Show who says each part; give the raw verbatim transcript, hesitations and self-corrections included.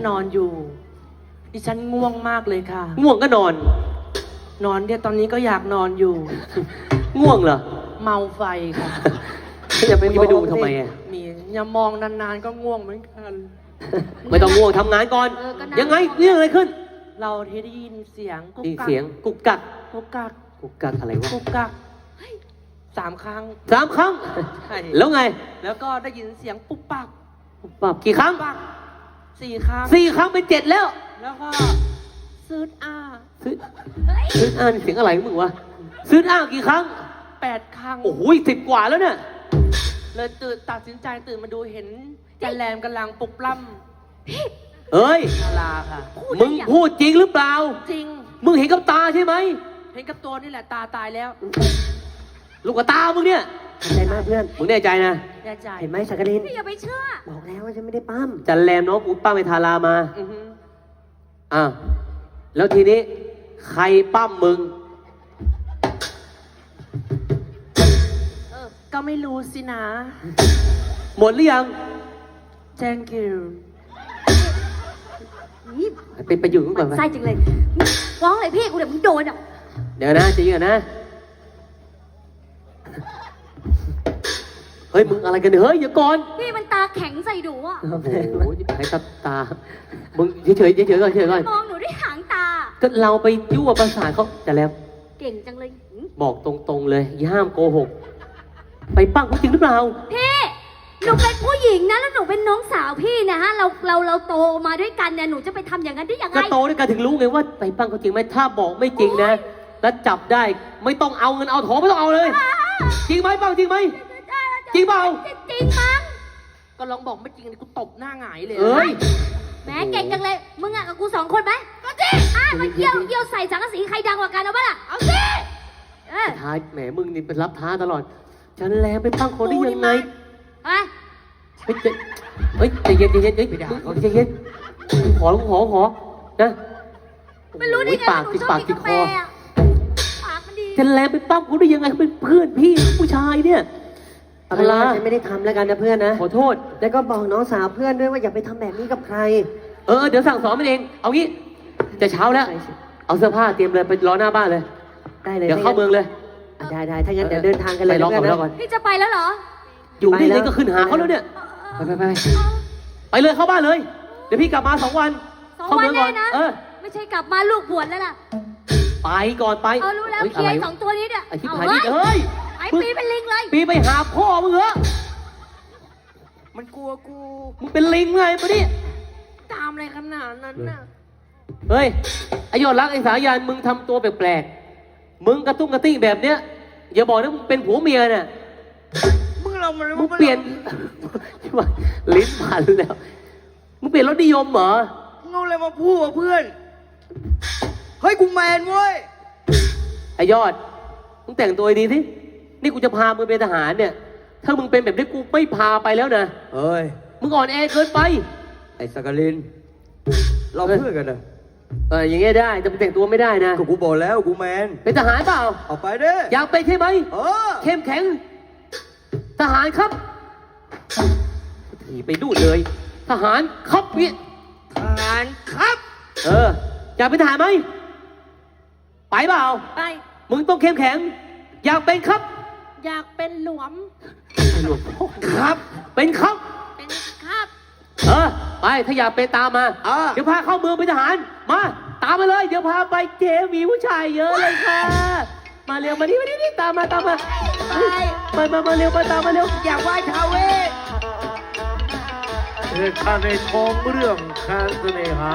Speaker 1: นอนอยู่ดิฉันง่วงมากเลยค่ะ
Speaker 2: ง่วงก็นอน
Speaker 1: นอนเนี่ยตอนนี้ก็อยากนอนอยู่
Speaker 2: ง่วงเหรอ
Speaker 1: เมาไฟค่ะ
Speaker 2: จะไปไปดูทำไมอ่ะ
Speaker 1: มีอย่ามองนานๆก็ง่วงเหมือนกัน
Speaker 2: ไม่ต้องง่วงทำงานก่อน ยังไงเรื่องอะไรขึ้น
Speaker 1: เราที่ได้ยินเสียงกุ๊ก
Speaker 2: ได้
Speaker 1: กัก
Speaker 2: เสียงกุกกัก
Speaker 1: กุ๊กกัก
Speaker 2: กุกกักอะไรวะ
Speaker 1: กุ๊กกักสามครั้ง
Speaker 2: สามครั้ง
Speaker 1: ใช่
Speaker 2: แล้วไง
Speaker 1: แล้วก็ได้ยินเสียงปุ๊บปัก
Speaker 2: ปรับกี่ครั้ง
Speaker 1: ปักสี่ครั้ง
Speaker 2: สี่ครั้งเป็นเจ็ดแล้ว
Speaker 1: แล้วก็ซื้ออ้า
Speaker 2: ซื้อซื้ออ่านเสียงอะไรของมึงวะซื้ออ่านกี่ครั้ง
Speaker 1: แปดครั้ง
Speaker 2: โอ้โหสิบกว่าแล้วเนี่ย
Speaker 1: เลยตื่นตัดสินใจตื่นมาดูเห็นจันแรมกำลังปลุกปล้ำ
Speaker 2: เอ้ย
Speaker 1: นาลาค่ะ
Speaker 2: มึงพูดจริงหรือเปล่า
Speaker 1: จริง
Speaker 2: มึงเห็นกับตาใช่ไหม
Speaker 1: เห็นกับตัวนี่แหละตาตายแล้ว
Speaker 2: ลูกกับตามึงเนี่ย
Speaker 3: ขอบใจมากเพื่อน
Speaker 2: มึงแน่ใจนะ
Speaker 1: แน่ใจ
Speaker 3: เห็นไหมสักกลิน
Speaker 4: พี่อย่าไปเชื่อ
Speaker 3: บอกแล้วว่าฉันไม่ได้ปั้ม
Speaker 2: จันแรมน้องกูป้าไปทารามา
Speaker 1: อือฮึ
Speaker 2: อ่ะแล้วทีนี้ใครปั้มมึง
Speaker 1: เออก็ไม่รู้สินะ
Speaker 2: หมดหรือยัง
Speaker 1: thank you
Speaker 4: นี่
Speaker 2: ไปไปอยู่กันก่อนไป
Speaker 4: ไส้จังเลยฟ้องเลยพี่กูเดี๋ยวมึงโดนอ่ะ
Speaker 2: เดี๋ยวนะใจะเย็นนะ เฮ้ยมึงอะไรกันเนี่ยเฮ้ยอย่าก่อน
Speaker 4: พี่มันตาแข็งใส่หนูอ่ะ
Speaker 2: โอ้โหให้ตาตา มึงเฉยๆเฉยๆก่อนเฉยๆก่อน
Speaker 4: มองหนูด้วยหางตา
Speaker 2: ก็เราไปยั่วประสาทเขาแต่แล้ว
Speaker 4: เก่งจังเลยหืม
Speaker 2: บอกตรงๆเลยอย่าห้ามโกหก ไปปั้งเขาจริงหรือเปล่า
Speaker 4: พี่หนูเป็นผู้หญิงนะแล้วหนูเป็นน้องสาวพี่นะฮะเราเราเราโตมาด้วยกันเนี่ยหนูจะไปทำอย่างนั้นได้ยังไง
Speaker 2: ก็โตด้วยกันถึงรู้ไงว่าไปปั้งเขาจริงไหมถ้าบอกไม่จริงนะ แล้วจับได้ไม่ต้องเอาเงินเอาทองไม่ต้องเอาเลย จริงไหมปั้งจริงไหม จริงเปล่า
Speaker 4: จริงมั้ง
Speaker 1: ก็ลองบอกไม่จริงกูตบหน้าหงายเลย
Speaker 2: เอ้ย
Speaker 4: แหมเก่งจังเลยมึงอ่ะกับกูสองคนไหมก็จริงอ่ะมาเยี่ยวเยี่ยวใส่สังกะสีใครดังกว่ากันเอาปะล่ะเอาสิเออ
Speaker 2: ท้ายแหมมึงนี่เป็นรับท้าตลอด ฉันแลไปปั้งคนได้ยังไง
Speaker 4: ไป
Speaker 2: เฮ้ยใจเฮ้ยใจเย็นใจเย็นเฮ้ยมึงใจเย็นขอขอขอนะ
Speaker 4: ไม่รู้ได้ไง
Speaker 2: ปาก
Speaker 4: หนู
Speaker 2: ติด
Speaker 4: ชอบ
Speaker 2: ปาก
Speaker 4: กิ
Speaker 2: ติ
Speaker 4: น
Speaker 2: ด
Speaker 4: กา
Speaker 2: ค
Speaker 4: แฟ
Speaker 2: อ
Speaker 4: อะปากมันดี
Speaker 2: ฉันแลไปปั้มเขาได้ยังไงเขาเป็นเพื่อนพี่ผู้ชายเนี่ย
Speaker 3: เอาเป็นว่าฉันไม่ได้ทำแล้วกันนะเพื่อนนะ
Speaker 2: ขอโทษ
Speaker 3: แล้วก็บอกน้องสาวเพื่อนด้วยว่าอย่าไปทำแบบนี้กับใคร
Speaker 2: เออเดี๋ยวสั่งสอนมันเอง เอางี้ จะเช้าแล้ว เอาเสื้อผ้าเตรียมเลยไปรอหน้าบ้านเลย
Speaker 3: ได้เลย
Speaker 2: เดี๋ยวเข้าเมืองเลย
Speaker 3: อ่ะได้ได้ถ้างั้นเดี๋ยวเดินทางกันเลย
Speaker 2: ไปรอก่อนไปรอก่อน
Speaker 4: พี่จะไปแล้วเหรอ
Speaker 2: อยู่นี่
Speaker 3: ไปแล้
Speaker 2: เลยว ก็ขึ้นหาเขาแล้วเนี่ย ไปไปไปไป
Speaker 4: เอา
Speaker 2: ไปเลยเข้าบ้านเลย เดี๋ยวพี่กลับมาสองวัน
Speaker 4: สอง
Speaker 2: เข้า
Speaker 4: วัน
Speaker 2: เมืองก่อน
Speaker 4: แน่นะ
Speaker 2: เออ
Speaker 4: ไม่ใช่กลับมาลูกบวชแล้วล่ะ
Speaker 2: ไปก่อนไป
Speaker 4: เอารู้แล้ว
Speaker 2: ฮ้
Speaker 4: เคลียร์
Speaker 2: ะ
Speaker 4: ไอ้
Speaker 2: ไวะ
Speaker 4: สองตัวนี้เนี่ย
Speaker 2: ไอ้ชิบ
Speaker 4: เอา
Speaker 2: หาย
Speaker 4: เฮ้
Speaker 2: นี่
Speaker 4: ย
Speaker 2: เฮ้ย
Speaker 4: ไอ้ปีเป็นลิงเลย
Speaker 2: ปีไปหาพ่อมึงเหรอ
Speaker 1: มันกลัวกู
Speaker 2: มึงเป็นลิงไงปะนี่
Speaker 1: ตามอะไรขนาดนั้นน่ะ
Speaker 2: เฮ้ยไอยอดรักไอสายันมึงทำตัวแปลกๆ มึงกระตุ้งกระติ้งแบบเนี้ย อย่าบอกนะมึงเป็นผัวเมียน่ะ
Speaker 1: มึงเรามัน
Speaker 2: มึงเปลี่ยน ลิ้นพันแล้ว มึงเปลี่ยนรสนิยมเหรอ
Speaker 1: เงาอะไรมาพูดวะเพื่อน เฮ้ยกูแมนเว้ย
Speaker 2: ไอยอด มึงแต่งตัวดีสินี่กูจะพามึงเป็นทหารเนี่ย ถ้ามึงเป็นแบบนี้กูไม่พาไปแล้วนะ
Speaker 5: เฮ้ย
Speaker 2: มึงอ่อนแอเกินไป
Speaker 5: ไอ้สกลิน เราเพื่อนกันนะ
Speaker 2: เอออย่างเงี้ยได้แต่มึงแต่งตัวไม่ได้นะ
Speaker 5: ก็กูบอกแล้วกูแมน
Speaker 2: เป็นทหารเปล่า
Speaker 5: เอาไปเด้
Speaker 2: อยากเป็นใช่ไหม
Speaker 5: เออ
Speaker 2: เข้มแข็ง ทหารครับถีไปดูเลย ทหารครับเนี่ย
Speaker 1: ทหารครับ
Speaker 2: เออ อยากเป็นทหารไหม ไปเปล่า
Speaker 1: ไป
Speaker 2: มึงต้องเข้มแข็ง อยากเป็นครับ
Speaker 1: อยากเป็นหลวม
Speaker 2: หลวงพ่อครับ เป็นครับ
Speaker 1: เป็นครับ
Speaker 2: เออ ไปถ้าอยากเป็นตามมา
Speaker 5: อ่า
Speaker 2: เดี๋ยวพาเข้าเมืองเป็นทหาร มา ตามมาเลย เดี๋ยวพาไปเจมีผู้ชายเยอะเลยค่ะ มาเร็วมานี่มานี่นี่ตามมาตามมาไปมามาเร็วมาตามมาเร็ว
Speaker 1: อยากไหว้ท้าวเวส
Speaker 6: เหตุการณ์ในท้องเรื่องแค้นเสน่หา